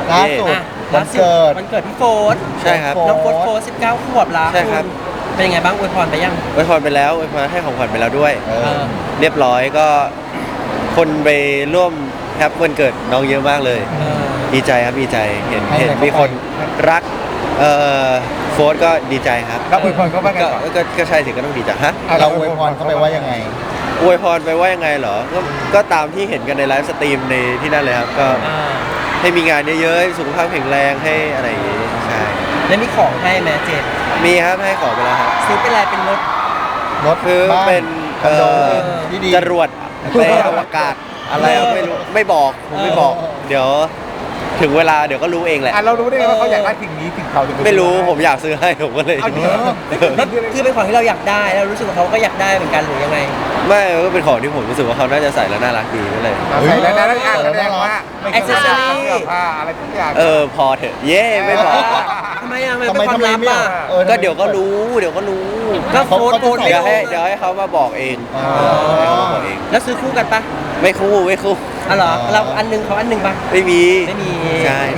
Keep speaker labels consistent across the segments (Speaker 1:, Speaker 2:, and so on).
Speaker 1: ล่าสุดวันเกิดพี่โฟร์
Speaker 2: ใช่ครับ
Speaker 1: น้องโฟร์19 ขวบแล้ว
Speaker 2: ใช่ครับ
Speaker 1: เป็นยังไงบ้างอวยพรไปยัง
Speaker 2: อวยพรไปแล้วอวยพรให้ของขวัญไปแล้วด้วยเรียบร้อยก็คนไปร่วมแฮปวันเกิดน้องเยอะมากเลยดีใจครับดีใจเห็นมีคนรักโฟร์ก็ดีใจครับ
Speaker 3: เราอวยพรเขาบ้างไง
Speaker 2: ก็ใช่สิก็ต้องดีใจฮะ
Speaker 3: เราอวยพรเขาไปว่ายังไง
Speaker 2: อวยพรไปว่ายังไงเหรอก็ตามที่เห็นกันในไลฟ์สตรีมในที่นั่นเลยครับก็ให้มีงานเยอะๆสุขภาพแข็งแรงให้อะไรอย่างงี้ใช่
Speaker 1: แล้วมีของให้แม่เจม
Speaker 2: มีครับให้ของไปแล้วครับ
Speaker 1: ซื้อเป็นอะไรเป็นรถ
Speaker 2: คือเป็นจรวดไปอวกาศอะไรไม่รู้ไม่บอกผมไม่บอกเดี๋ยวถึงเวลาเดี๋ยวก็รู้เองแหละ
Speaker 3: เรารู้ได้ไงว่าเขาอยากได้สิ่งนี้สิ่งเขา
Speaker 2: ไม่รู้ผมอยากซื้อให้ผมก็เลย
Speaker 1: คือเป็นของที่เราอยากได้แล้วรู้สึกว่าเขาก็อยากได้เหมือนกันหรือยังไง
Speaker 2: ไม่ก็เป็นของที่ผมรู้สึกว่าเขาน่าจะใส่แล้วน่ารักดีก็เลย
Speaker 3: ใส่แล้วน่ารักแสดงว่า
Speaker 1: แอคเซสซอรี่
Speaker 3: อะไรทุกอย่าง
Speaker 2: พอเถอะเย่ไม่บอก
Speaker 1: ทำไมเป็นความลับอ่ะ
Speaker 2: ก็เดี๋ยวก็รู้
Speaker 1: ก็โฟน
Speaker 2: เดี๋ยวให้เขามาบอกเอง
Speaker 1: แล้วซื้อคู่กันปะ
Speaker 2: ไม่คู่
Speaker 1: อ๋อเหรอเราอันนึงเขาอันนึงปะ
Speaker 2: ไม่มีใช่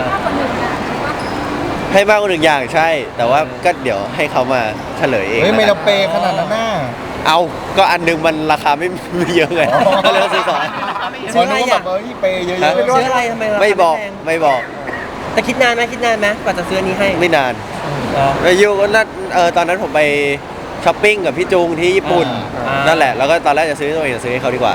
Speaker 2: ให้มากกว่าหนึ่งอย่างใช่แต่ว่าก็เดี๋ยวให้เขามาเฉลยเอง
Speaker 3: ไม่เราเปขนาดนั้นน่ะ
Speaker 2: เอาก็อันนึงมันราคาไม่เยอะไงก็เลยซื้อสอง
Speaker 1: ซื้ออะไรอ่ะ
Speaker 3: เปเยอะ
Speaker 1: ๆซื้ออะไรทำไม
Speaker 2: ไม่บอก
Speaker 1: แต่คิดนานไหมกว่าจะซื้อนี้ให้
Speaker 2: ไม่นานไปอยู่ก็นั่นตอนนั้นผมไปช้อปปิ้งกับพี่จุงที่ญี่ปุ่นนั่นแหละแล้วก็ตอนแรกจะซื้อตัวเองจะซื้อให้เขาดีกว่า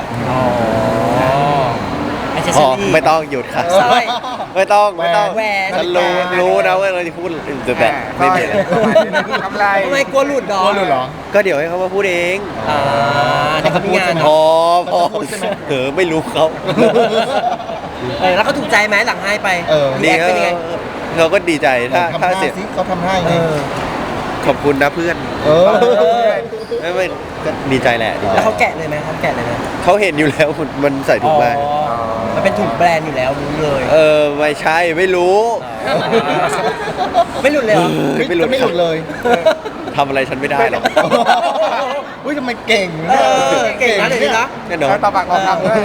Speaker 2: ไม่ต้องหยุดค่ะไม่ต้องฉันรู้นะว่าเราจะพูดแต่ไม่มี
Speaker 3: อะไร
Speaker 1: ทำไมกลัวหลุด
Speaker 3: หรอ
Speaker 2: ก็เดี๋ยวให้เขามาพูดเอง
Speaker 1: แต่เขามีงาน
Speaker 2: พอไม่รู้เขา
Speaker 1: แล้วเขาถูกใจไหมหลังให้ไป
Speaker 2: ดีเขาก็ดีใจถ้าเสร็จ
Speaker 3: เขาทำให้
Speaker 2: ขอบคุณนะเพื่อนไม่ก็ดีใจแหละ
Speaker 1: แล้วเขาแกะเลยไหม
Speaker 2: เขาเห็นอยู่แล้วมันใส่ถุงมา
Speaker 1: มันเป็นถุงแบรนด์อยู่แล้วรู้เลย
Speaker 2: ไม่ใช่ไม่รู้
Speaker 1: ไม่หลุดเลย
Speaker 3: ไม่หลุดเลย
Speaker 2: ทำอะไรฉันไม่ได้หรอก
Speaker 3: อุ้ยทำไมเก่ง
Speaker 1: นะเดี๋ยวนี้นะ
Speaker 2: แน่นอน
Speaker 3: ตาปากคำด้วย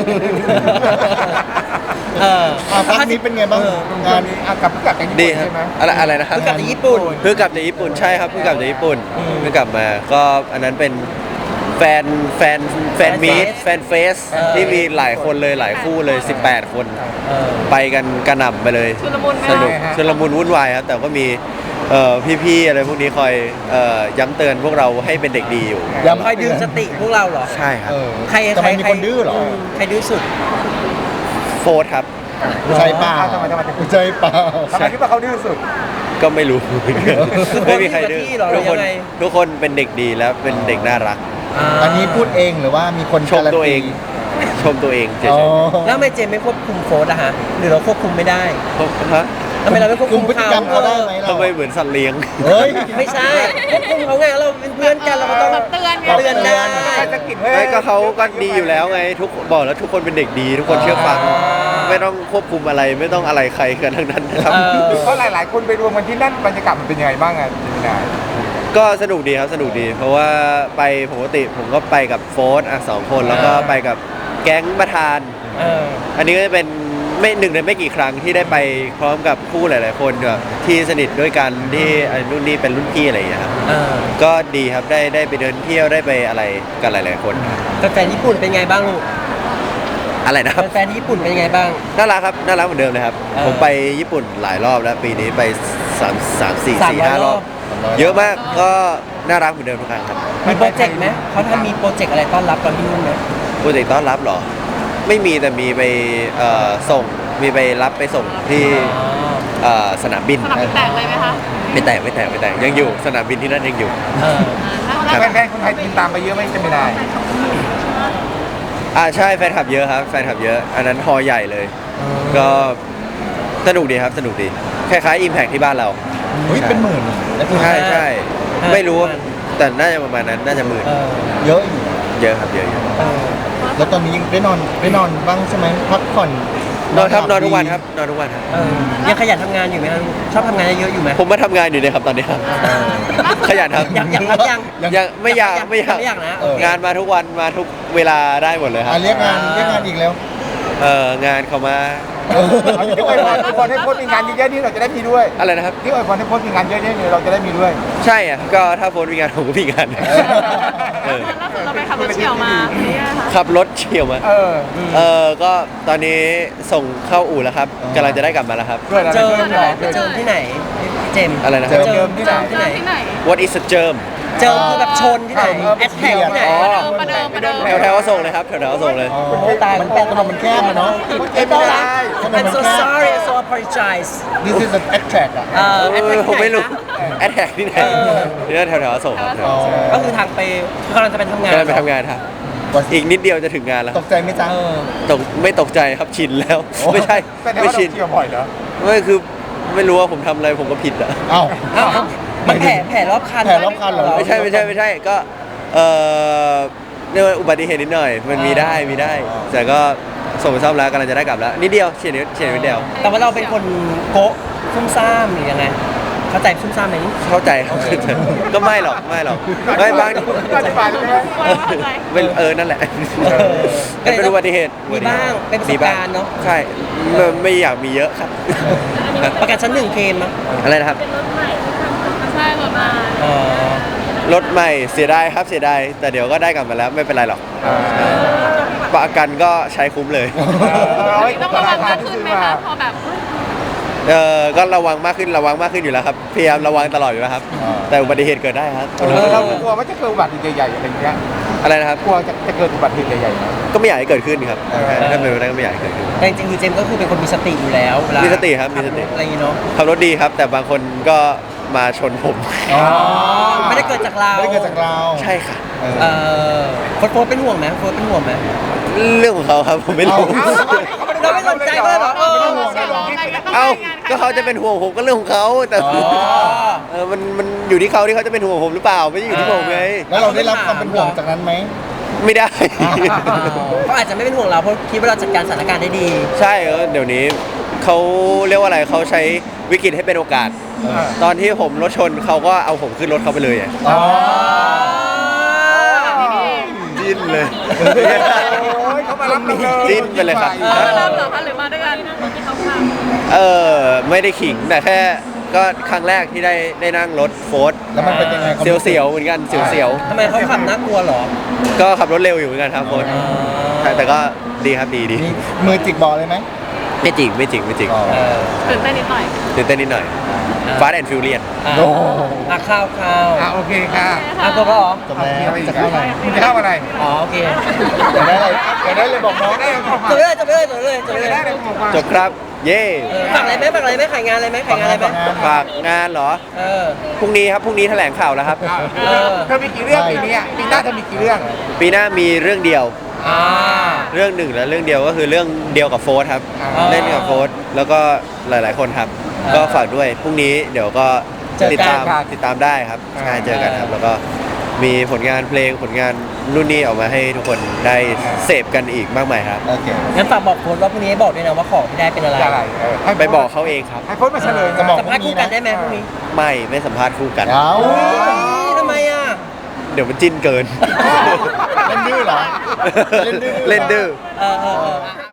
Speaker 3: ภาคนี้เป็นไงบ้างงานกับผู้กำกับจากญี่ปุ่นใช่ไหม
Speaker 2: อะไรนะครับ
Speaker 1: ผู้กำกับจากญี่ปุ่น
Speaker 2: เพิ่งกลับจากญี่ปุ่นใช่ครับเพิ่งกลับจากญี่ปุ่นเพิ่งกลับมาก็อันนั้นเป็นแฟนมีตแฟนเฟสที่มีหลายคนเลยหลายคู่เลย18 คนไปกันกระหน่ำไปเลยสนุกชุลมุนวุ่นวายครับแต่ก็มีพี่ๆอะไรพวกนี้คอยย้ำเตือนพวกเราให้เป็นเด็กดีอยู่
Speaker 1: คอยดึงสติพวกเราเหรอ
Speaker 2: ใช่ครับ
Speaker 1: ใคร
Speaker 3: มีคนดื้อเหรอ
Speaker 1: ใครดื้อสุด
Speaker 2: โฟร์ครับ
Speaker 3: ใจเปล่าใจเปล่าทำไมคิดว่าเขาดื้อสุด
Speaker 2: ก็ไม่รู้ไม่มีใครดื้อทุกคนเป็นเด็กดีแล้วเป็นเด็กน่ารัก
Speaker 3: อันนี้พูดเองหรือว่ามีคน
Speaker 2: ชมตัวเองเฉย
Speaker 1: ๆแล้วทำไมเจมไม่ควบคุมโฟร์อะฮะหรือเราควบคุมไม่ได้ทำไมเราไม่ควบคุม
Speaker 3: พฤติกรรมเขาได้ไหม
Speaker 2: ทำไมเหมือนสัตว์เลี้ยง
Speaker 1: ไม่ใช่ควบคุมเขาไงเราเป็นเพื่อนกันเราก็ต้องเตือนได้
Speaker 2: ไม่ก็เขาก็ดีอยู่แล้วไงบอกแล้วทุกคนเป็นเด็กดีทุกคนเชื่อฟังไม่ต้องควบคุมอะไรไม่ต้องอะไรใครกันทั้งนั้นนะครับ
Speaker 3: เพราะหลายคนไปรวมกันที่นั่นบรรยากาศมันเป็นยังไงบ้างอ่ะจิมินา
Speaker 2: ก็สนุกดีครับสนุกดีเพราะว่าไปปกติผมก็ไปกับโฟร์2 คนแล้วก็ไปกับแก๊งประธานอันนี้ก็จะเป็นไม่หนึ่งในไม่กี่ครั้งที่ได้ไปพร้อมกับคู่หลายๆคนที่สนิทด้วยกันที่รุ่นนี้เป็นรุ่นพี่อะไรอย่างเงี้ยครับก็ดีครับได้ไปเดินเที่ยวได้ไปอะไรกันหลายๆคน
Speaker 1: แฟนญี่ปุ่นเป็นไงบ้างลูก
Speaker 2: อะไรนะครับ
Speaker 1: แฟนญี่ปุ่นเป็นไงบ้าง
Speaker 2: น่ารักครับน่ารักเหมือนเดิมเลยครับผมไปญี่ปุ่นหลายรอบแล้วปีนี้ไป3-4-5 รอบเยอะมากก็น่ารักเหมือนเดิมทุกครั้งครับ
Speaker 1: มีโปรเจกต์ไหมเขามีโปรเจกต์อะไรต้อนรับตอนที่นู่นไหม
Speaker 2: โปรเจกต์ต้อนรับเหรอไม่มีแต่มีไปส่งมีไปรับไปส่งที่สนามบิน
Speaker 4: แตกเลยไหมคะ
Speaker 2: ไม่แตกยังอยู่สนามบินที่นั่นยังอยู่
Speaker 3: แฟนคนไทยติดตามไปเยอะไหมจะไม่ได้
Speaker 2: ใช่แฟนคลับเยอะครับแฟนคลับเยอะอันนั้นฮอใหญ่เลยก็สนุกดีครับสนุกดีคล้ายๆ Impact ที่บ้านเรา
Speaker 3: เป็นหมื่น
Speaker 2: ใช่ไม่รู้แต่น่าจะประมาณนั้นน่าจะหมื่น
Speaker 3: เยอะ
Speaker 2: ครับเยอะ
Speaker 3: แล้วตอนนี้ยังได้นอนบ้างใช่ไหมพักผ่อน
Speaker 2: นอนครับนอนทุกวันครับ
Speaker 1: ยังขยันทำงานอยู่ไหมครับชอบทำงานเยอะอยู่ไหม
Speaker 2: ผมมาทำงานอยู่เนี่ยครับตอนนี้ครับขยันครับยังไม่อยาก
Speaker 1: นะ
Speaker 2: งานมาทุกวันมาทุกเวลาได้หมดเลยครับ
Speaker 3: เรียกงานอีกแล้ว
Speaker 2: งานเขามา
Speaker 3: ที่อวยพรให้โพสต์มีงานเยอะๆนี่เราจะได้มีด้วย
Speaker 2: อะไรนะครับ
Speaker 3: ที่อวยพรให้โพสต์มีงานเยอะๆนี่เราจะได้มีด้วย
Speaker 2: ใช่อ่ะก็ถ้าโฟนมีงานผมก็มีงานเออ
Speaker 4: ล่าสุดเราไปขับรถเฉี่ยวมาเนี่ยค่ะ
Speaker 2: ขับรถเฉี่ยวมา ก็ตอนนี้ส่งเข้าอู่แล้วครับกำลังจะได้กลับมาแล้วครับ
Speaker 3: ด้วยอะไร
Speaker 1: เจอ
Speaker 3: ด้วย
Speaker 1: เจอที่ไหนพี่เจมส์
Speaker 2: อะไรนะค
Speaker 3: เจ
Speaker 2: รับ
Speaker 3: อเจิมที่ไหน
Speaker 1: ที่ไหน
Speaker 4: ที่ไหน
Speaker 2: What is a germ
Speaker 1: เจอคือแบบชนที่ไหนแอดแท็กที่ไหน
Speaker 2: อ๋อ
Speaker 4: ประเดิม
Speaker 2: แถวๆก็ส่งเลยครับแถวๆก็ส่งเลย
Speaker 1: ตาย
Speaker 3: มันแคบถนนมันแคบอะเนาะ
Speaker 1: ไม่ต้องละ I'm so sorry I'm so apologize
Speaker 3: This is an attract อ่ะ
Speaker 1: แอดแท็ก
Speaker 2: ผมไม่รู้
Speaker 1: ที่ไหน
Speaker 2: แอดแท็กที่ไหนเนี่ยแถวๆก็ส่งครับ
Speaker 3: อ๋อ
Speaker 1: นะก็คือทางไปกำลังจะไปทำงาน
Speaker 2: กำลังไปทำงานครับอีกนิดเดียวจะถึงงานแล้ว
Speaker 3: ตกใจไหมจ๊ะ
Speaker 1: เออ
Speaker 2: ไม่ตกใจครับชินแล้ว ไม่ใช่
Speaker 3: แต่
Speaker 2: ไม่
Speaker 3: ว่าเรา
Speaker 2: ชิน
Speaker 3: เที่ยวบ่อยเหรอ
Speaker 2: ไม่คือไม่รู้ว่าผมทำอะไรผมก็ผิดอ่ะ
Speaker 3: เอ้า
Speaker 1: อ้าวมันแผลรอบคัน
Speaker 3: แผลรอบคันเหรอ
Speaker 2: ไม่ใช่ก็เรียกว่าอุบัติเหตุนิดหน่อยมันมีได้แต่ก็ส่งไปซ่อมแล้วกำลังจะได้กลับแล้วนิดเดียวเฉียดนิดเดียว
Speaker 1: แต่ว่าเราเป็นคนโกะซุ่มซ่ามหรือยังไงเข้าใจซุ่มซ่ามไหม
Speaker 2: เข้าใจครับก็ไม่หรอกไม่บาง
Speaker 3: อธิบายได้ไหม
Speaker 2: เป็นนั่นแหละเป็นอุบัติเหตุ
Speaker 1: มีบ้างเป็นประสบการณ์เนาะ
Speaker 2: ใช่ไม่อยากมีเยอะครับ
Speaker 1: ประกันชั้นหนึ่งเคลมมั้ย
Speaker 2: อะไรนะครับ
Speaker 4: ใช่รถมา
Speaker 1: อ๋อ
Speaker 2: รถใหม่เสียดายครับเสียดายแต่เดี๋ยวก็ได้กลับมาแล้วไม่เป็นไรหรอกประกันก็ใช้คุ้มเลย
Speaker 4: ต้องระวังมากขึ้นไหมคะพอแบบ
Speaker 2: ก็ระวังมากขึ้นอยู่แล้วครับพยายามระวังตลอดอยู่แล้วครับ แต่อุบัติเหตุเกิดได้ครับ
Speaker 3: เรากลัวว่าจะเกิดอุบัติเหตุใหญ่ๆอะไรอย่างเงี้ย
Speaker 2: อะไรนะครับ
Speaker 3: กลัวจะเกิดอุบัติเหตุใหญ่ๆนะ
Speaker 2: ก็ไม่อยากให้เกิดขึ้นครับถ้าเป็นไปได้ก็ไม่อยากให้เกิดขึ้น
Speaker 1: แต่จริงๆคือเจมส์ก็คือเป็นคนมีสติอยู่แล้วเวลา
Speaker 2: มีสติครับมีสติ
Speaker 1: อะไรอย่างงี้เนาะ
Speaker 2: ขับรถดีครับ แต่บางคนก็มาชนผม
Speaker 3: อ๋อ
Speaker 1: ไม่ได้เกิดจากเรา
Speaker 3: ไม่ได้เกิดจากเรา
Speaker 2: ใช่ค่ะ
Speaker 1: เออโฟร์เป็นห่วงไหมโฟร์เป็นห่วงไหม
Speaker 2: เรื่องของเขาครับผมไม่รู้
Speaker 1: เราไม่สนใจก็เลยแบบ
Speaker 2: ก็เขาจะเป็นห่วงผมก็เรื่องของเขาแต่
Speaker 1: อ๋อ
Speaker 2: มันอยู่ที่เขาที่เขาจะเป็นห่วงผมหรือเปล่าไม่ใช่อยู่ที่ผมไง
Speaker 3: แล้วเราได้รับความเป็นห่วงจากนั้นไหม
Speaker 2: ไม่ได้
Speaker 1: เขาอาจจะไม่เป็นห่วงเราเพราะคิดว่าเราจัดการสถานการณ์ได้ดี
Speaker 2: ใช่เดี๋ยวนี้เขาเรียกว่าอะไรเขาใช้วิกฤตให้เป็นโอกาส ตอนที่ผมรถชนเขาก็เอาผมขึ้นรถเขาไปเลยอะ
Speaker 3: อ๋อ
Speaker 2: จิ้นเลย
Speaker 3: เขามารับเราเลย
Speaker 2: จิ้นไปเลยครับ
Speaker 4: รับเหรอคะหรือมาด้วยกันที่เขาขับ
Speaker 2: ไม่ได้ขิงแต่แค่ก็ครั้งแรกที่ได้นั่งรถโฟร์ด
Speaker 3: แล้วมันเป็นยังไง
Speaker 2: เสียวๆเหมือนกันเสียว
Speaker 1: ทำไมเขาขับน่ากลัวเหรอ
Speaker 2: ๆก็ขับรถเร็วอยู่เหมือนกันครับโฟร์ดแต่ก็ดีครับดี
Speaker 3: มีมือจิกบอลเลยไหม
Speaker 2: ไม่จริง
Speaker 3: อ๋อ
Speaker 1: เออ
Speaker 4: ตื่นเต้นนิดหน่อย
Speaker 2: ตื่นเต้นนิดหน่อยฟาสต์แอนด์ฟิวเรียน
Speaker 1: อ่ะ
Speaker 3: โอ้
Speaker 1: ข้าว
Speaker 3: โอเคค่ะ
Speaker 1: ตัวก็เหรอ
Speaker 3: จบแล้วจะเข้าอะไรจะเข้าอะไร
Speaker 1: อ๋อโอเค
Speaker 3: อยากได้อะไรอยากได้เลยบอกน้องได้เลยบอกมา
Speaker 1: จบเลย
Speaker 3: ได้เลยบอกมา
Speaker 2: จบครับ เย่
Speaker 1: ฝากอะไรไหมขายงานอะไรไหม
Speaker 2: ฝากงานเหรอ
Speaker 1: เออ
Speaker 2: พรุ่งนี้แถลงข่าวแล้วครับ
Speaker 3: เธอมีกี่เรื่องปีนี้ปีหน้าเธอมีกี่เรื่อง
Speaker 2: ปีหน้ามีเรื่องเดียว
Speaker 1: อ่า
Speaker 2: เรื่องหนึ่งและเรื่องเดียวก็คือเรื่องเดียวกับโฟร์ครับ
Speaker 1: อ๋อ
Speaker 2: เล่นกับโฟร์แล้วก็หลายๆคนครับ
Speaker 1: อ่า
Speaker 2: ก็ฝากด้วยพรุ่งนี้เดี๋ยวก็
Speaker 1: เจอกัน
Speaker 2: ติดตามได้ครับใช่เจอกันครับ แล้วก็มีผลงานเพลงผลงานนู่นนี่ออกมาให้ทุกคนได้เสพกันอีกมากมายครับ
Speaker 3: โอเค
Speaker 1: งั้นฝากบอกโค้ดว่าพรุ่งนี้บอกด้วยนะว่าของที่ได้เป็นอะไร
Speaker 3: อะไรให้
Speaker 2: ไปบอกเขาเองครับ
Speaker 3: ให้โพสต์มาเฉลยจะบอก
Speaker 1: สัมภาษณ์คู่กันได้ไหมพรุ่งนี้
Speaker 2: ไม่สัมภาษณ์คู่กัน
Speaker 3: เอา
Speaker 1: ทำไมอ่ะ
Speaker 2: เดี๋ยวมันจิ้นเกิน
Speaker 3: เล่นดื้อเหรอ
Speaker 2: เล่นดื้อ
Speaker 1: เออ